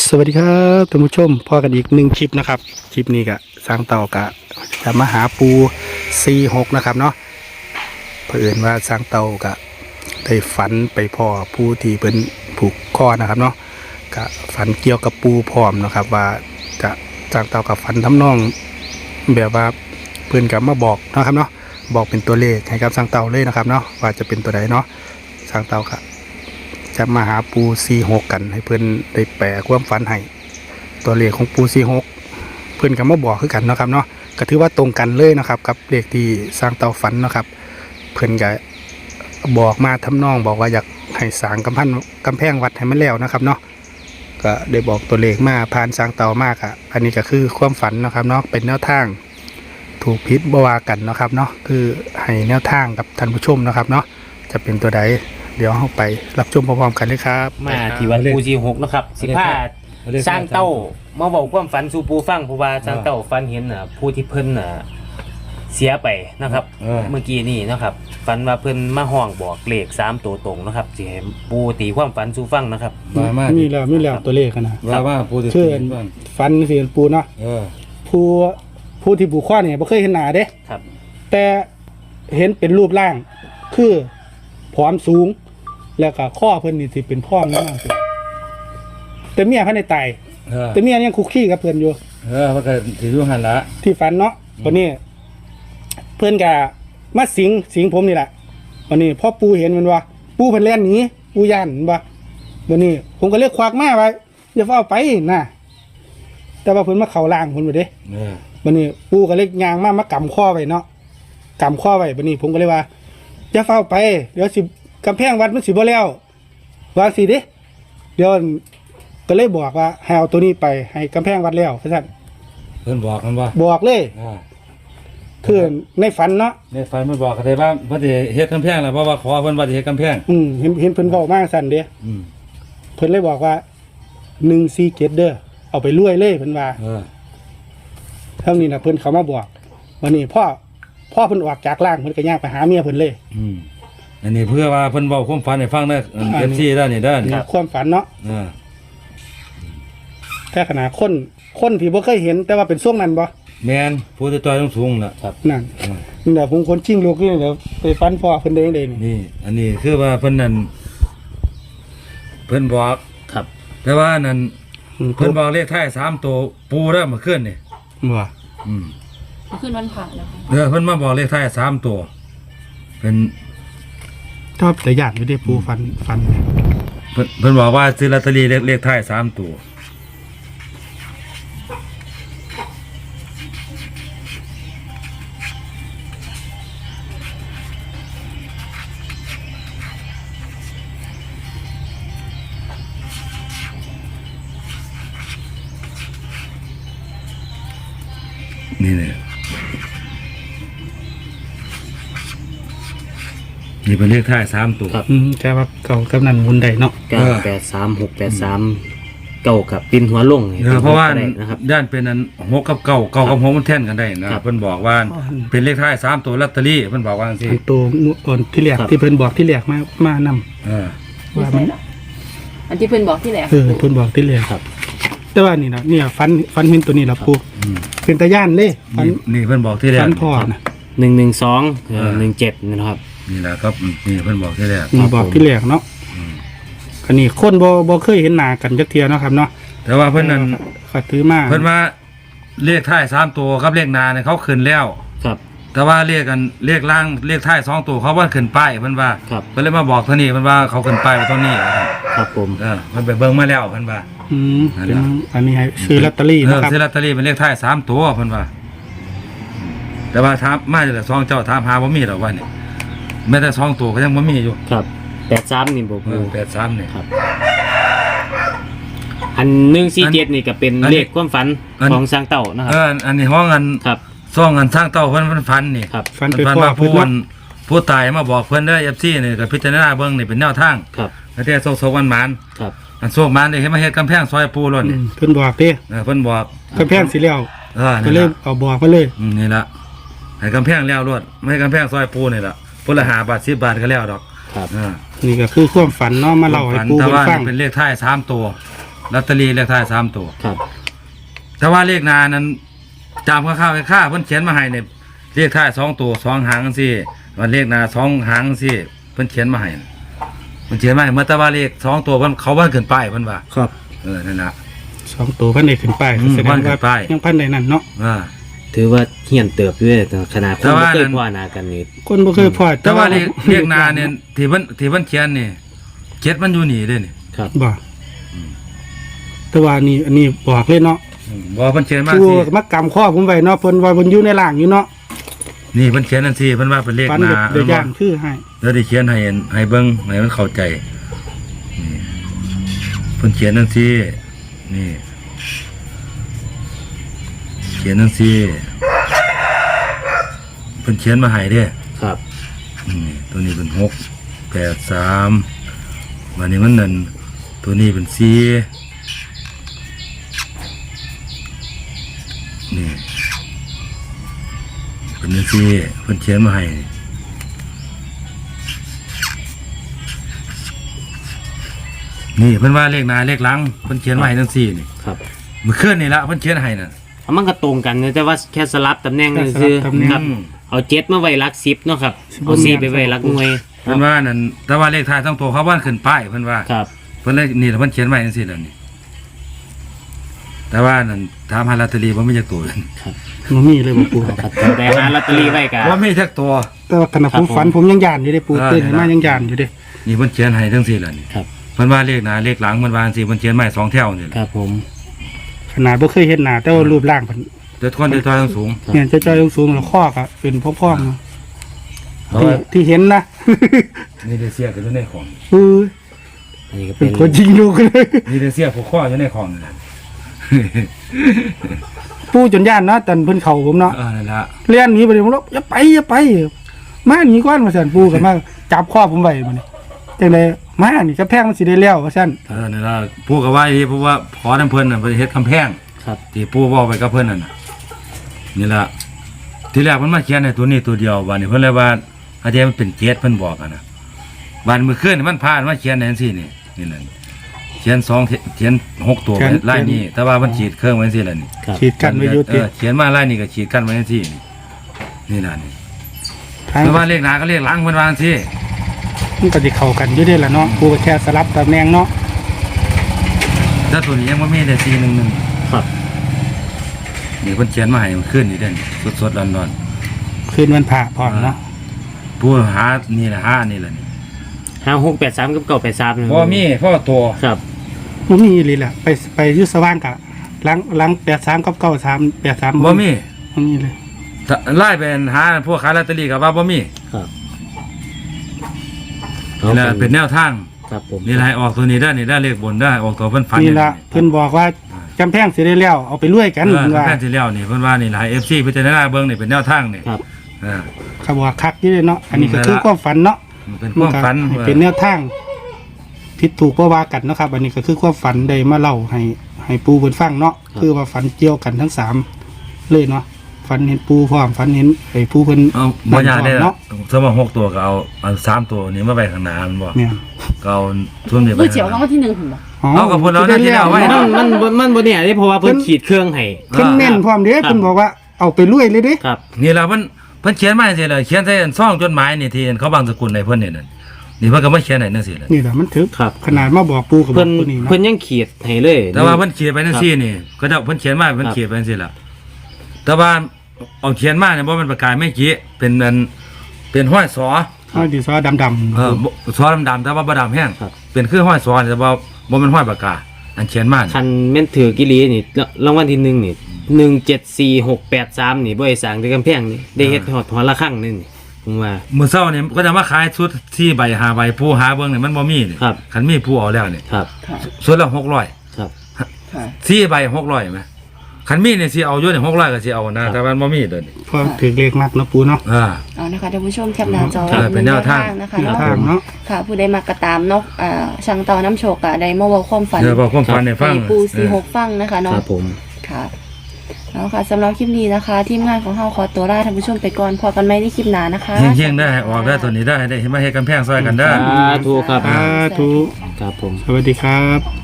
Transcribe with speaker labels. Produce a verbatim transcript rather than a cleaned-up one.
Speaker 1: สวัสดีครับท่านผู้ชมพอกันอีกหนึ่งคลิปนะครับคลิปนี้ก็สร้างเต่ากะจะมาหาปูซีหกนะครับเนาะเพื่อนว่าสร้างเต่ากะได้ฝันไปพ่อผู้ที่เป็นผูกคอนะครับเนาะกะฝันเกี่ยวกับปูพร้อมนะครับว่าจะสร้างเต่ากับฝันทำนองแบบว่าเพื่อนกับมาบอกนะครับเนาะบอกเป็นตัวเลขให้กับสร้างเต่าเลยนะครับเนาะว่าจะเป็นตัวใดเนาะสร้างเต่ากะจะมาหาปูซีหกกันให้เพื่อนได้แปลความฝันให้ตัวเลขของปูซีหกเพื่อนก็มาบอกคือกันนะครับเนาะก็ถือว่าตรงกันเลยนะครับกับเลขที่สร้างเตาฝันนะครับเพื่อนก็บอกมาทำนองบอกว่าอยากให้สร้างกำแพงกำแพงวัดให้มันแล้วนะครับเนาะก็ได้บอกตัวเลขมาผ่านสร้างเตามากอ่ะอันนี้ก็คือความฝันนะครับเนาะเป็นแนวทางถูกพิษบวากันนะครับเนาะคือให้แนวทางกับท่านผู้ชมนะครับเนาะจะเป็นตัวใดเดี๋ยวเราไปรับชมพร้อมๆกันเลยครับ
Speaker 2: มาที่วัดปูจีหกนะครับสิบห้าสร้างเต้ามาบอกความฝันสู่ปูฟังเพราะว่าสร้างเต้าฝันเห็นน่ะผู้ที่เพิ่นน่ะเสียไปนะครับเมื่อกี้นี่นะครับฝันว่าเพิ่นมาห้องบอกเลขสามตัวตรงนะครับสิให้ปูตีความฝันสู่ฟังนะครับ
Speaker 1: มีแล้วมีแล้วตัวเลขนะ
Speaker 3: ว่าว่าปูจะ
Speaker 1: เชื่อฝันสิปูเนาะผู้ผู้ที่ผูกข้อเนี่ยบ่เคยเห็นหน้าเด้
Speaker 2: ครับ
Speaker 1: แต่เห็นเป็นรูปร่างคือผอมสูงแล้วก็ข้อเพิ่นนี่สิเป็นพ่อมมากสิแต่เมียเขาในตายแต่เมียยังคุกคีกับเพิ่นอยู่
Speaker 3: เออมันก็ถือว่าหันละ
Speaker 1: ที่ฝันเนาะวันนี้เพิ่นก็มาสิงสิงผมนี่แหละวันนี้พ่อปูเห็นมันว่าปูเพิ่นแล่นหนีปูย่านว่าวันนี้ผมก็เรียกควักแม่ไว้อย่าเฝ้าไปนะแต่ว่าเพิ่นมาเข่าล่างผมไปเด้วันนี้ปูก็เรียกยางมามากำข้อไว้เนาะกำข้อไว้วันนี้ผมก็เลยว่าอย่าเฝ้าไปเดี๋ยวสิกำแพงวัดมันสิบ่แล้ววางสิเด้เดี๋ยวก็เลยบอกว่าให้เอาตัวนี้ไปให้กำแพงวัดแล้วท่าน
Speaker 3: เพิ่นบอกกันว่า
Speaker 1: บอกเลยคือในฝันเนาะ
Speaker 3: ในฝันมันบอกกันได้ว่าเพิ่นสิเฮ็ดกำแพงแล้วเพราะว่าขอเพิ่นว่าสิเฮ็ดกำแพง
Speaker 1: อืมเห็นเห็นเพิ่นบอกมาสั่นเด้อืมเพิ่นเลยบอกว่าหนึ่งสี่เจ็ดเด้อเอาไปรวยเลยเพิ่นว่าเออเท่านี้น่ะเพิ่นเขามาบอกวันนี้พ่อพ่อเพิ่นออกจากร่างเพิ่นก็ย่างไปหาเมียเพิ่นเลย
Speaker 3: อืมอันนี้เพื่อว่าเพิ่นเว้าความฝันให้ฟังเด้อ เอฟ ซี ด้านนี้เด้อ
Speaker 1: ความฝันเนาะเออแค่ขนาดคนคนที่บ่เคยเห็นแต่ว่าเป็นช่วงนั้นบ่
Speaker 3: แม่นผู้ที่ต่อยสูงๆน่ะ
Speaker 1: ครับนั่นนี่แหละผมคนชิงลูกนี่เดี๋ยวไปฟันพ่อเพิ่นได้เด้
Speaker 3: นี่อันนี้คือว่าเพิ่นนั่นเพิ่นบอก
Speaker 2: ครับ
Speaker 3: แต่ว่านั่นเพิ่นบอกเลขท้ายสามตัวปูเด้อเมื่อคืนนี่
Speaker 1: บ่
Speaker 3: อืม
Speaker 4: เมื่อคืนวันผ่าแล้ว
Speaker 3: เออเพิ่นมาบอกเลขท้ายสามตัวเป็น
Speaker 1: ชอบแต่ญาติอยู่ได้ปูฟันฟัน
Speaker 3: เพิ่นเพิ่นบอกว่าซื้อลอตเตอรี่เลขเลขท้ายสามตัวนี่เนี่ยนี่เป็นเลขท้ายสามตัว
Speaker 1: อืมแต่ว่าเก่ากำนันมุนได้เนาะ
Speaker 2: เก้าแปดสามหกแปดสามเก้ากับปินหัวลง
Speaker 3: เพราะว่าด้านเป็นนั้นหกกับเก้าเก้ากับหกมันแท่นกันได้นะเพิ่นบอกว่าเป็นเลขท้ายสามตัวลอตเตอรี่เพิ่นบอกว่าจังซี่
Speaker 1: ตัวก่อนที่แรกที่เพิ่นบอกที่แรกมามานำ
Speaker 3: เออ
Speaker 4: ว่ามันอันที่เพิ่นบอกที่แรก
Speaker 1: เออเพิ่นบอกที่แรกครับแต่ว่านี่นะเนี่ยฟันฟันเห็นตัวนี้ล่ะปูเป็นตาย่านเลย
Speaker 3: ฟันนี่เพิ่นบอกที่แรก
Speaker 1: ฟันพ่อนะ
Speaker 2: หนึ่งหนึ่งสองหนึ่งเจ็ดนะครับ
Speaker 3: นี่แหละครับนี่เพิ่นบอกที่แรก
Speaker 1: บอกที่แรกเนาะอันนี้คนบ่บ่เคยเห็นหน้ากันจักเที่ยเนาะครับเนาะ
Speaker 3: แต่ว่าเพิ่นนั่น
Speaker 1: เขาถือมา
Speaker 3: เพิ่นว่าเลขท้ายสามตัวกับเลขหน้าเนี่ยเขาขึ้นแล้ว
Speaker 2: ครับ
Speaker 3: แต่ว่าเลขกันเลขล่างเลขท้ายสองตัวเขาว่าขึ้นป้ายเพิ่นว่าเพิ่นเลยมาบอกเท่านี้เพิ่นว่าเขาขึ้นป้ายไว้เท่านี้
Speaker 2: ครับผม
Speaker 3: เออเพิ่นไปเบิ่งมาแล้วเพิ่นว่า
Speaker 1: อืมอันนี้ให้ซื้อลอตเตอรี่นะครับ
Speaker 3: ซื้อลอตเตอรี่เป็นเลขท้ายสามตัวเพิ่นว่าแต่ว่าถามมาจากสองเจ้าถามหาบ่มีดอกว่านี่แม้แต่สองตัวก็ยังบ่มีอยู่
Speaker 2: ครับแปดสามนี่บ่ปู
Speaker 3: แปดสามนี่
Speaker 2: ครับอันหนึ่งสี่เจ็ดนี่ก็เป็นเลขความฝันของสร้างเต่านะครับ
Speaker 3: เอออันนี้ห้องอัน
Speaker 2: ครับ
Speaker 3: ซ่องอันสร้างเต่าเพิ่นเพิ่นฝันนี่
Speaker 2: ครับ
Speaker 1: ฝัน
Speaker 3: ฝันว่าผู้วันผู้ตายมาบอกเพิ่นเด้อ เอฟ ซี นี่ก็พิจารณาเบิ่งนี่เป็นแนวทาง
Speaker 2: ครับ
Speaker 3: แล้วแต่โซกๆหวาน
Speaker 2: ๆครับ
Speaker 3: อันโซกหวานนี่เฮ็ดมาเฮ็ดกำแพงซอยปูล้นนี่
Speaker 1: เพิ่นบอกเด้
Speaker 3: เออเพิ่นบอก
Speaker 1: กำแพงสิแล้ว
Speaker 3: เออ
Speaker 1: ก็เลยเอาบอกมาเลย
Speaker 3: อืมนี่ล่ะให้กำแพงแล้วรวดไม่ให้กำแพงซอยปูนี่ล่ะพุ่นละห้าบาทสิบบาทก็แล้วดอก
Speaker 2: ครับ
Speaker 1: อ่านี่ก็คือความฝันเนาะมาเล่าให้ปู
Speaker 3: ฟังเป็นเลขท้ายสามตัวลอตเตอรี่เลขท้ายสามตัว
Speaker 2: ครับ
Speaker 3: แต่ว่าเลขหน้านั้นจำข้าวๆค่าเพิ่นเขียนมาให้เนี่ยเลขท้ายสองตัวสองหางจังซี่ว่าเลขหน้าสองหางจังซี่เพิ่นเขียนมาให้เพิ่นเขียนมาให้เมื่อแต่ว่าเลขสองตัวเพิ่นเขาว่าเกินป้ายเพิ่นว่า
Speaker 1: ครับ
Speaker 3: เออนั่นน่ะ
Speaker 1: สองตัวพันได้ขึ้นไป
Speaker 3: อืม
Speaker 1: แสดง
Speaker 3: พันขึ้
Speaker 1: ว่าน
Speaker 3: ไป
Speaker 1: ยังพันได้นั่นเนาะ
Speaker 3: อ่า
Speaker 2: ถือว่าเฮียนเติบด้วยขนาดคน
Speaker 3: แต่ว่า
Speaker 2: บ่เคย
Speaker 3: นั้น
Speaker 2: พ่อหน้ากันนี่
Speaker 1: คนบ่เคยพอ
Speaker 3: แต่ว่าเลขเลขหน้าเนี่ยที่เพิ่นที่เพิ่นเขียนนี่เจ็ดมันอยู่นี่เด้นี่
Speaker 2: ครับ
Speaker 1: บ่แต่ว่านี่อันนี้บอกเลยเนาะ
Speaker 3: อืมบ่เพิ่นเขียนมา
Speaker 1: คือ
Speaker 3: สิ
Speaker 1: มักกำข้อผมไว้เนาะเพิ่นว่าเพิ่นอยู่ในล่างอยู่เนาะ
Speaker 3: นี่เพิ่นเขียนนั่นสิเพิ่นว่าเป็นเลข
Speaker 1: ฟัน
Speaker 3: ห
Speaker 1: แบ
Speaker 3: น้า
Speaker 1: บเดือย่างคือให้
Speaker 3: แล้วได้เขียนให้เห็นให้เบิ่งให้มันเข้าใจนี่เพิ่นเขียนนั่นสินี่ เขียนนั่นสิเพิ่นเขียนมาให้เด้
Speaker 2: ครับ
Speaker 3: อืมตัวนี้เป็นหกแปดสามวันนี้มันนั่นตัวนี้เป็นสี่นี่เป็นนั่นสิเพิ่นเขียนมาให้นี่เพิ่นว่าเลขหน้าเลขหลังเพิ่นเขียนมาให้ทั้งสี่นี่
Speaker 2: ครับ
Speaker 3: เมื่อคืนนี่ละเพิ่นเขียนให้น่ะ
Speaker 2: เอามันก็ตรงกันนะแต่ว่าแค่สลับตำแหน่งนี่คือครับ
Speaker 3: อืม
Speaker 2: เอาเจ็ดมาไว้หลักสิบเนาะครับเอาสี่ไปไว้หลักหน่วย
Speaker 3: เพิ่นว่านั่นแต่ว่าเลขท้ายทั้งตัวเขาว่านขึ้นป้ายเพิ่นว่า
Speaker 2: ครับ
Speaker 3: เพิ่นเลยนี่เพิ่นเขียนไว้จังซี่แล้วนี่แต่ว่านั่นถามหาลอตเตอรี่บ่มีจักตัวเลย
Speaker 1: บ่มีเลยบ่ปู
Speaker 2: ครับแต่หาลอตเตอรี่ไว้กัน
Speaker 3: บ่มีจักตัว
Speaker 1: แต่ว่าขณะผมฝันผมยังย่านอยู่เด้ปู
Speaker 3: เออ
Speaker 1: ตื่นขึ้นมายังย่านอยู่เด้
Speaker 3: นี่เพิ่นเขียนให้จังซี่แล้วนี่
Speaker 2: ครับ
Speaker 3: เพิ่นว่าเลขหน้าเลขหลังเพิ่นว่าจังซี่เพิ่นเขียนมาให้สองแถวนี่แห
Speaker 2: ค
Speaker 3: ละ
Speaker 2: รับผม
Speaker 1: ขนาดบ่เคยเห็นหน้าแต่ว่ารูปร่างเพิ่น
Speaker 3: เด็ดคนเด็ดทอยทั้งสูง
Speaker 1: เนี่ยจะจอยสูงๆแล้วข้อก็เป็นพ่องๆเนาะ
Speaker 3: เพราะ
Speaker 1: ที่
Speaker 3: ว่า
Speaker 1: ที่เห็นนะ
Speaker 3: นี่ได้เสียกันอยู่ในของ
Speaker 1: เออ
Speaker 2: อันนี้ก็
Speaker 1: เป็
Speaker 2: เป็น น
Speaker 1: คนยิงลูกเลย
Speaker 3: นี่ได้เสียผูกข้ออยู่ในของนี่แหละ
Speaker 1: ปูจนย่านเนาะตอนเพิ่นเข้าผมเนาะ
Speaker 3: เออนั่นละ
Speaker 1: เลี้ยนหนีไปเลยผมบอกอย่าไปอย่าไป มาหนีก่อนมาสั่นปูกันมาจับข้อผมไว้มันนี่จังไดมานี่กระแพงมันสิได้แล้วว่าซั่น
Speaker 3: เออนั่นละปู่ก็ว่าอีเพราะว่าขอน้ำเพิ่นน่ะเพิ่นเฮ็ดกำแพง
Speaker 2: ครับ
Speaker 3: ที่ปู่บอกไปกับเพิ่นนั่นน่ะนี่ล่ะทีแรกเพิ่นมาเขียนให้ตัวนี้ตัวเดียวบัดนี้เพิ่นเลยว่าอาจารย์มันเป็นเจ็ดเพิ่นบอกอะนะบัดมื้อคืนนี่มันพาดมาเขียนให้จังซี่นี่นี่แหละเขียนสองเขียนหกตัวไว้ลายนี้ แต่ว่ามันฉีดเครื่องไว้จังซี่ล่ะนี่
Speaker 2: ครับ
Speaker 1: ฉีดกันไว้อยู่
Speaker 3: เอ
Speaker 1: ติ
Speaker 3: อเขียนมาลายนี้ก็ฉีดกันไว้จังซี่นี่นี่ล่ะนี่
Speaker 1: ทาง
Speaker 3: แต่ว่าเลขหน้าก็เลขหลังเพิ่นว่าจังซี่
Speaker 1: มันก็สิเข้ากันอยู่เด้ล่ะเนาะปูก็แค่สลับตำแหน่งเนาะ
Speaker 3: แต่ตัวนี้ยังบ่มีแต่สี่หนึ่งหนึ่ง
Speaker 2: ครับ
Speaker 3: นี่เพิ่นเขียนมาให้มันขึ้นนี่เด้นี่สดๆร้อน
Speaker 1: คืนวันพระพร้อมเนาะ
Speaker 3: ๆผู้หานี่แหละหานี่แหละนี่
Speaker 2: ห้าหกแปดสามกับเก้าแปดสาม
Speaker 3: บ่มีพ่อตัว
Speaker 2: ครับ
Speaker 1: บ่มีอีหลีล่ะไปไปอยู่สว่างกะหลังหลังแปดสามกับเก้าสามแปดสาม
Speaker 3: บ่มี
Speaker 1: บ่มีเลย
Speaker 3: ถ้าไล่เป็นหาพวกขายลอตเตอรี่ก็ว่าบ่มี
Speaker 2: ครับ
Speaker 3: นี่แหละเป็นแนวทาง
Speaker 2: ครับผม
Speaker 3: นี่แหละให้ออกตัวนี้ได้นี่ได้เลขบนได้ออกตัวเพิ่นฝัน
Speaker 1: นี่ล่ะเพิ่นบอกว่าจำแพงสิได้แล้วเอาไปรวยกัน
Speaker 3: เออ
Speaker 1: เพิ่นว่า
Speaker 3: แค่ที่แล้วนี่เพิ่นว่านี่หลาย เอฟ ซี พิจารณาเบิ่งนี่เป็นแนวทางนี่
Speaker 2: ครับ
Speaker 3: เออ
Speaker 1: เขาบอกว่าคักอยู่เด้เนาะอันนี้ก็
Speaker 3: นั่น
Speaker 1: คือ
Speaker 3: ล่ะ
Speaker 1: ความฝันเนาะ
Speaker 3: มันเป็นความฝัน
Speaker 1: ให้เป็นแนวทางผิดถูกบ่ว่ากันเนาะครับ อันนี้ก็คือความฝันได้มาเล่าให้ให้ปูเพิ่นฟังเนาะคือว่าฝันเกี่ยวกันทั้งสามเลยเนาะฝันเห็นปูพร้อมฝันเห็นไอ้ปูเพิ่น
Speaker 3: เอาบ่ยากได้
Speaker 1: เนาะ
Speaker 3: สมมุติหกตัวก็เอาเอาสามตัวนี้มาไว้ข้างหน้ามันบ่
Speaker 1: เนี่ย
Speaker 3: ก็เอาช่วงนี้ไป
Speaker 4: เมื่อเจียวรางวัลที่หนึ่งผมบอก
Speaker 3: เอากับเพิ่นเอาหน้าที่แล้วไว้
Speaker 2: มันมันมันมันบนเนี่ยเพราะว่าเพิ่นขีดเครื่องให้
Speaker 1: เพิ่นแม่นพร้อมเด้
Speaker 2: ครับ
Speaker 1: เพิ่นบอกว่าเอาไปรวยเลยเด้
Speaker 2: ครับ
Speaker 3: นี่ล่ะเพิ่นเพิ่นเขียนมาจังซี่ล่ะเขียนใส่ซองจดหมายนี่ที่เขาบางสกุลให้เพิ่นนี่นั่นนี่เพิ่นก็มาเขียนให้จังซี่ล่ะ
Speaker 1: นี่แหละมันถึก
Speaker 2: ครับ
Speaker 1: ขนาดมาบอกปูกับบอก
Speaker 2: เพิ่น
Speaker 1: ตัวนี้เนาะ
Speaker 2: เพิ่นยังขีดให้เลย
Speaker 3: แต่ว่าเพิ่นเขียนไปจังซี่นี่ก็จะเพิ่นเขียนมาเพิ่นเขียนไปจังซี่ล่ะแต่ว่าเอาเขียนมาเนี่ยบ่แม่นประกายไม่กี้เป็นอันเป็นห้อยสอ
Speaker 1: เอาดิซอดำๆ
Speaker 3: เออบ่ซอดำๆแต่ว่าบ่ดำแห้ง
Speaker 2: ครับ
Speaker 3: เป็นคือห้อยสอแต่ว่าบ่แม่นห้อยปากกาอันเขียนมานี่
Speaker 2: คันแม่นถือกิลีนี่รางวัลที่หนึ่งนี่หนึ่งเจ็ดสี่หกแปดสามนี่บ่ได้สร้างแต่กำแพงนี่ได้เฮ็ดหอดหอละครั้งนี่นี่ผมว่า
Speaker 3: มื้อเช้านี่ก็จะมาขายชุดที่ใบห้าใบผู้หาเบิ่งนี่มันบ่มีนี่
Speaker 2: ครับ
Speaker 3: คันมีผู้เอาแล้วนี่
Speaker 2: ครับ
Speaker 4: ค่ะ
Speaker 3: ชุดละหกร้อย
Speaker 2: ครับ
Speaker 4: ค่ะ
Speaker 3: สี่ใบหกร้อยมั้ยคันมีนี่สิเอาอยู่นี่หกร้อยก็สิเอานะแต่ว่ามันบ่มีเด้อนี่
Speaker 1: พอถึกเลขมากเนาะปูเนาะ
Speaker 3: อ่า
Speaker 4: เอานะคะท่านผู้ชมแคปหน้าจอ
Speaker 3: ครับเป็นแนวทาง
Speaker 4: นะคะ
Speaker 1: แนว
Speaker 4: เนาะ
Speaker 1: ทางเนาะ
Speaker 4: ค่ะ ผู้ใดมากระตามเนาะอ่าช่างเตาน้ำโชกอะได้มาเว่าความฝัน
Speaker 3: เดี๋ยวบอกความฝันให้ฟัง
Speaker 4: ให้ปูสี่หกฟังนะคะ
Speaker 2: ค
Speaker 4: เนาะ
Speaker 2: รับผม
Speaker 4: ค่ะแล้วค่ะสำหรับคลิปนี้นะคะ ทีมงานของเฮาขอตัวลาท่านผู้ชมไปก่อนพอกันไหมในคลิปหน้านะคะ
Speaker 3: เฮงๆได้ให้ออกได้ตัวนี้ได้ได้เห็นมาเฮ็ดกำแพงซอยกันได้อ
Speaker 2: สาธุครับ
Speaker 1: สาธุ
Speaker 2: ครับผม
Speaker 1: สวัสดีครับ